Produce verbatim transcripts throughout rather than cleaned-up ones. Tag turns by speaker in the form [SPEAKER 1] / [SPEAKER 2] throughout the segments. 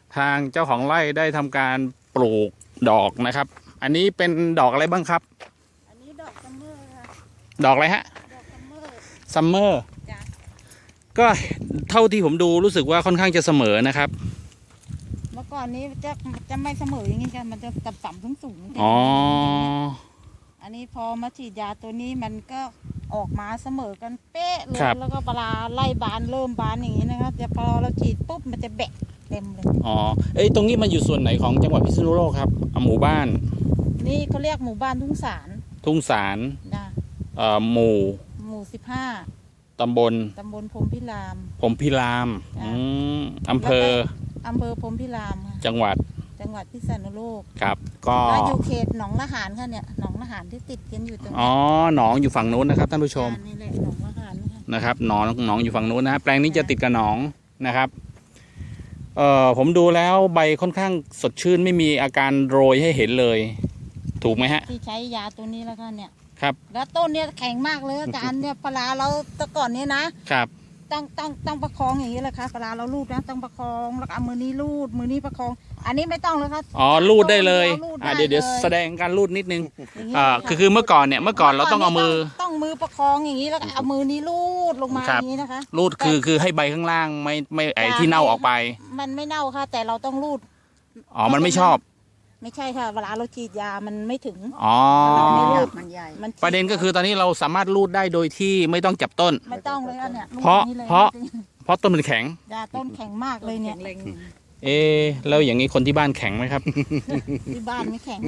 [SPEAKER 1] ทางเจ้าของไร่ได้ทำการปลูกดอกนะครับอันนี้เป็นดอกอะไรบ้างครับ
[SPEAKER 2] อันนี้ดอกซัมเมอร์ค่ะ
[SPEAKER 1] ดอกอะไรฮะ
[SPEAKER 2] ดอกซัมเมอร์
[SPEAKER 1] ซัมเมอร์
[SPEAKER 2] จ้ะ
[SPEAKER 1] ก็เท่าที่ผมดูรู้สึกว่าค่อนข้างจะเสมอนะครับ
[SPEAKER 2] เมื่อก่อนนี้จะจะไม่เสมออย่างนี้กันมันจะต่ำต่ำสูงสูง
[SPEAKER 1] อ๋อ
[SPEAKER 2] อันนี้พอมาฉีดยาตัวนี้มันก็ออกมาเสมอกันเป๊ะเลยแล้วก็ปลาไล่บานเริ่มบานอย่างนี้นะครับแต่พอเราฉีดปุ๊บมันจะแบะเต็มเลย
[SPEAKER 1] อ๋อเอ้ยตรงนี้มันอยู่ส่วนไหนของจังหวัดพิษณุโลกครับหมู่บ้าน
[SPEAKER 2] นี่เขาเรียกหมู่บ้านทุ่งสาร
[SPEAKER 1] ทุ่งสาร
[SPEAKER 2] นะ
[SPEAKER 1] เอ่อหมู่
[SPEAKER 2] หมู่สิบห้า
[SPEAKER 1] ตำบล
[SPEAKER 2] ตำบลพรหมพิราม
[SPEAKER 1] พรหมพิรามอืมอำเภอ
[SPEAKER 2] อำเภอพรหมพิราม
[SPEAKER 1] จังหวัด
[SPEAKER 2] จังหวัดพิษณุโลก
[SPEAKER 1] ครับก็
[SPEAKER 2] อยู่เขตหนองละหารค่ะเนี่ยหนองละหารที่ติดกันอยู่ตรงนี้
[SPEAKER 1] อ๋อหนองอยู่ฝั่งนู้นนะครับท่านผู้ชม
[SPEAKER 2] นี่แหละหนองละหาร
[SPEAKER 1] นะครับหนองหนองอยู่ฝั่งนู้นนะแปลงนี้จะติดกับหนองนะครับเอ่อผมดูแล้วใบค่อนข้างสดชื่นไม่มีอาการโรยให้เห็นเลยถูกไหมฮะ
[SPEAKER 2] ที่ใช้ยาตัวนี้แล้วค่ะเนี่ย
[SPEAKER 1] ครับ
[SPEAKER 2] แล้วต้นเนี่ยแข็งมากเลยอาจารย์เนี่ยปลาเราแต่ก่อนเนี้ยนะครับต้องต้องต้องประคองอย่างนี้เลยค่ะปลาเราลูดนะต้องประคองแล้วเอามือนี้ลูดมือนี้ประคองอันนี้ไม่ต้องเลยครับ
[SPEAKER 1] อ๋อลูดได้เลยอ่าเดี๋ยวเดี๋ยวแสดงการลูดนิดนึงอ่าคือคือเมื่อก่อนเนี่ยเมื่อก่อนเราต้องเอามือ
[SPEAKER 2] ต้องมือประคองอย่างนี้แล้วเอามือนี้ลูดลงมาอย่างนี้นะคะ
[SPEAKER 1] ลูดคือคือให้ใบข้างล่างไม่ไม่ไอที่เน่าออกไป
[SPEAKER 2] มันไม่เน่าค่ะแต่เราต้องลูด
[SPEAKER 1] อ๋อมันไม่ชอบ
[SPEAKER 2] ไม่ใช่ค่ะเวลาเราฉีดยามันไม่ถึง
[SPEAKER 1] อ๋อ
[SPEAKER 2] มันใหญ่
[SPEAKER 1] ประเด็นก็คือตอนนี้เราสามารถลูดได้โดยที่ไม่ต้องจับต้น
[SPEAKER 2] ไม่ต้องเลยเนี่ย
[SPEAKER 1] เพราะเพราะเพราะต้นมันแข็ง
[SPEAKER 2] ยาต้นแข็งมากเลยเนี่ย
[SPEAKER 1] เอ๊ะแล้วอย่างนี้คนที่บ้านแข็งไหมครับ
[SPEAKER 2] ที่บ้านไม่แข็ง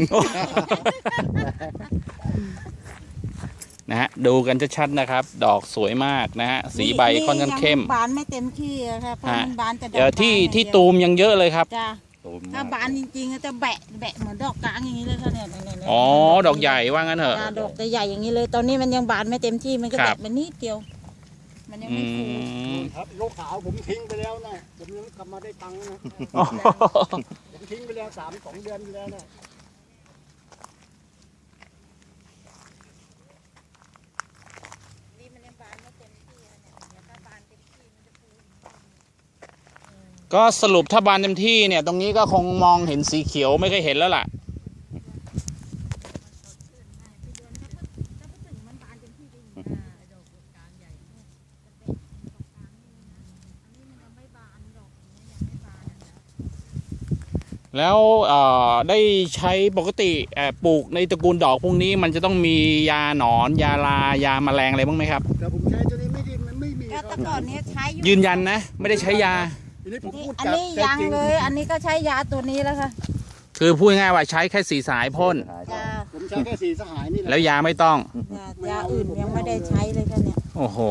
[SPEAKER 1] นะฮะดูกันชัดๆนะครับดอกสวยมากนะฮะสีใบค่อนข้างเข้ม
[SPEAKER 2] บานไม่เต็มที่ครับเพราะมันบานแต่ด
[SPEAKER 1] อกที่ที่ตูมยังเยอะเลยครับ
[SPEAKER 2] ถ้าบานจริงๆจะแบะแบะเหมือนดอกกลางอย่างนี้เลยค่ะเนี่ย
[SPEAKER 1] อ๋อดอกใหญ่ว่างั้นเหรอ
[SPEAKER 2] ดอกใหญ่อย่างนี้เลยตอนนี้มันยังบานไม่เต็มที่มันก็แบะมันนิดเดียวมันยังไม่ฟู
[SPEAKER 3] ครับโลขาวผมทิ้งไปแล้วนะผมยังกลับมาได้ตังค์นะผมทิ้งไปแล้วสามสองเดือนไปแล้วนะ
[SPEAKER 2] นี่มันยังบานไม่เต็มที่เนี่ยถ้าบานเต็มที่มันจะฟู
[SPEAKER 1] ก็สรุปถ้าบานเต็มที่เนี่ยตรงนี้ก็คงมองเห็นสีเขียวไม่เคยเห็นแล้วล่ะแล้วได้ใช้ปกติปลูกในตระกูลดอกพวกนี้มันจะต้องมียาหนอนยาลายาแมลงอะไรบ้างไหมครับ
[SPEAKER 3] แต่ผมใช้ตัวนี้ไม่ดีมันไม่มี
[SPEAKER 2] ครับแต่ก่อนนี้ใช้
[SPEAKER 1] ยืนยันนะไม่ได้ใช้ยา
[SPEAKER 2] อันนี้ยังเลยอันนี้ก็ใช้ยาตัวนี้แล้วค่ะ
[SPEAKER 1] คือพูดง่ายว่าใช้แค่สีสายพ่น
[SPEAKER 3] ผมใช้แค่สีสหายนี่แหละ
[SPEAKER 1] แล้วยาไม่ต้อง
[SPEAKER 2] ยาอื่นยังไม่ได้ใช้เลยค่ะเนี่ย
[SPEAKER 1] โอ้โห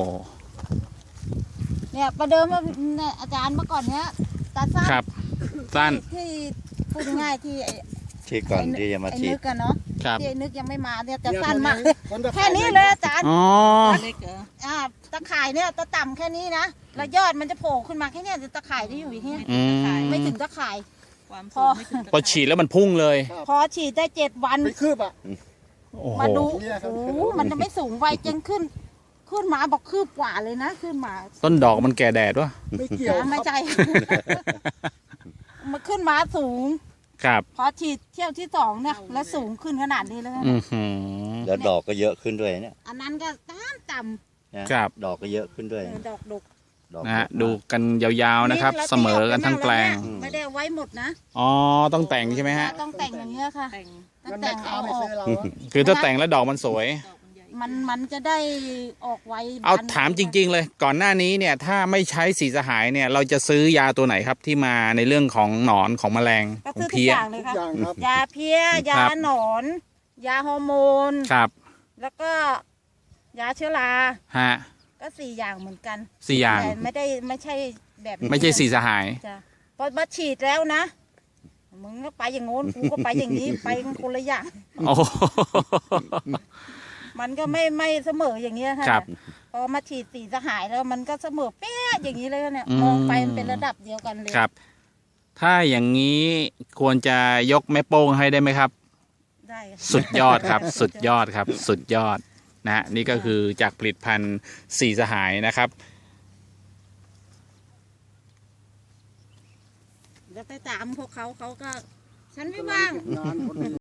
[SPEAKER 2] เนี่ยประเดิมว่าอาจารย์เมื่อก่อนเนี้ยตาสั้น
[SPEAKER 1] ครับสั้น
[SPEAKER 2] ที่พูดง่ายที่
[SPEAKER 4] ที่ก่อนที่จะมาฉีด
[SPEAKER 2] กันเนาะที่นึกยังไม่มาเนี่ยจะสั้นมากแค่นี้เลยอาจารย์
[SPEAKER 1] อ๋อ
[SPEAKER 2] อ่าตะข่ายเนี่ยตะต่ำแค่นี้นะแล้วยอดมันจะโผล่ขึ้นมาแค่นี้ตะข่ายที่อยู่อย่างนี้ไม่ถึงตะข่าย
[SPEAKER 1] พอพอฉีดแล้วมันพุ่งเลย
[SPEAKER 2] พอฉีดได้เจ็ดวัน
[SPEAKER 3] ไม่คืบอ่ะ
[SPEAKER 2] มาดูโอ้มันจะไม่สูงไวจนขึ้นขึ้นมาบอกคืบกว่าเลยนะขึ้นมา
[SPEAKER 1] ต้นดอกมันแก่แดดวะ
[SPEAKER 3] ไม่เกี่ยว
[SPEAKER 2] ไม่ใช่มันขึ้นมาสูง
[SPEAKER 1] ครับ
[SPEAKER 2] พอฉีดเที่ยวที่สองเนี่ยแล้วสูงขึ้นขนาดนี้เลย
[SPEAKER 4] แล้วดอกก็เยอะขึ้นด้วยเนี่ย
[SPEAKER 2] อันนั้นก็ต่ำต่
[SPEAKER 1] ำครับ
[SPEAKER 4] ดอกก็เยอะขึ้นด้วย
[SPEAKER 2] ดอกดก
[SPEAKER 1] นะฮะดูกันยาวๆนะครับเสมอกันทั้งแปลง
[SPEAKER 2] ไม่ได้ไว้หมดนะ
[SPEAKER 1] อ๋อต้องแต่งใช่ไหมฮะ
[SPEAKER 2] ต้องแต่งอย่างเงี้ยค่ะต้องแต่งเอาออก
[SPEAKER 1] คือถ้าแต่งแล้วดอกมันสวย
[SPEAKER 2] มันมันจะได้ออกไว
[SPEAKER 1] เอาถามจริงๆเลยก่อนหน้านี้เนี่ยถ้าไม่ใช้สีสหายเนี่ยเราจะซื้อยาตัวไหนครับที่มาในเรื่องของหนอนของแมลง
[SPEAKER 2] ของเพี้ยยาเพี้ยยาหนอนยาฮอร์โมน
[SPEAKER 1] ครับ
[SPEAKER 2] แล้วก็ยาเชื้อรา
[SPEAKER 1] ฮะ
[SPEAKER 2] ก็สี่อย่างเหมือนกัน
[SPEAKER 1] สี่อย่าง
[SPEAKER 2] แต่ไม่ได้ไม่ใช่แบบ
[SPEAKER 1] ไม่ใช่สีสหาย
[SPEAKER 2] จ้ะพอมาฉีดแล้วนะมึงก็ไปอย่างโน้นกูก็ไปอย่างนี้ไปคนละอย่าง
[SPEAKER 1] โอ้
[SPEAKER 2] มันก็ไม่ไม่เสมออย่างเงี้ยค่ะพอมาฉีดสีสหายแล้วมันก็เสมอเป๊ะอย่างนี้เลยเนี่ยมองไปมันเป็นระดับเดียวกันเลย
[SPEAKER 1] ครับถ้าอย่างนี้ควรจะยกแม่โป้งให้ได้ไหมครับ
[SPEAKER 2] ได้
[SPEAKER 1] สุดยอดครับสุดยอดครับสุดยอดนะนี่ก็คือจากผลิตภัณฑ์สีสหายนะครับ
[SPEAKER 2] จะไปตามพวกเขาเขาก็ ฉันไม่ว่าง
[SPEAKER 3] งานคน